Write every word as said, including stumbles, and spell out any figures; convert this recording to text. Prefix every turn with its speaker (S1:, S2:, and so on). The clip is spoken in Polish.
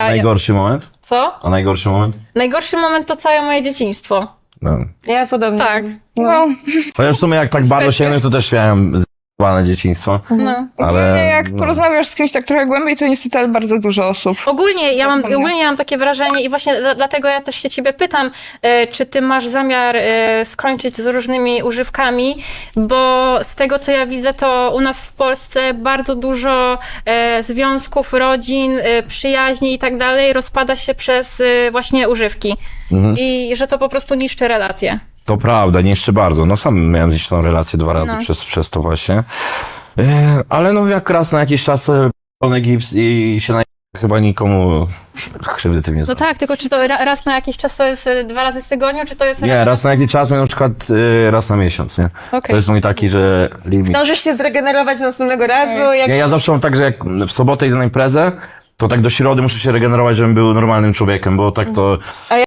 S1: najgorszy moment?
S2: Co?
S1: A najgorszy moment?
S2: Najgorszy moment to całe moje dzieciństwo.
S1: No.
S3: Ja podobnie.
S2: Tak.
S3: No.
S1: Chociaż w sumie jak tak bardzo sięgnąć, to też miałem z***ane dzieciństwo.
S2: No.
S1: Ale...
S4: Ale jak
S1: no.
S4: porozmawiasz z kimś tak trochę głębiej, to niestety ale bardzo dużo osób.
S2: Ogólnie ja, mam,
S4: Wspomnienia.
S2: ogólnie ja mam takie wrażenie i właśnie dla- dlatego ja też się ciebie pytam, e, czy ty masz zamiar e, skończyć z różnymi używkami, bo z tego co ja widzę, to u nas w Polsce bardzo dużo e, związków, rodzin, e, przyjaźni i tak dalej rozpada się przez e, właśnie używki.
S1: Mhm.
S2: I że to po prostu niszczy relacje.
S1: To prawda, nie jeszcze bardzo. No sam miałem gdzieś tą relację dwa razy
S2: No.
S1: przez, przez to właśnie. E, ale no jak raz na jakiś czas to pełny gips i się na... chyba nikomu krzywdy tym nie
S2: No
S1: zrobi.
S2: tak, tylko czy to ra- raz na jakiś czas to jest e, dwa razy w tygodniu, czy to jest...
S1: Nie, raz na jakiś czas, na przykład e, raz na miesiąc, nie?
S2: Okej.
S1: To jest mój taki, że limit.
S3: Zdążysz się zregenerować następnego razu, jak
S1: Ja, ja zawsze mam tak, że jak w sobotę idę na imprezę, to tak do środy muszę się regenerować, żebym był normalnym człowiekiem, bo tak to...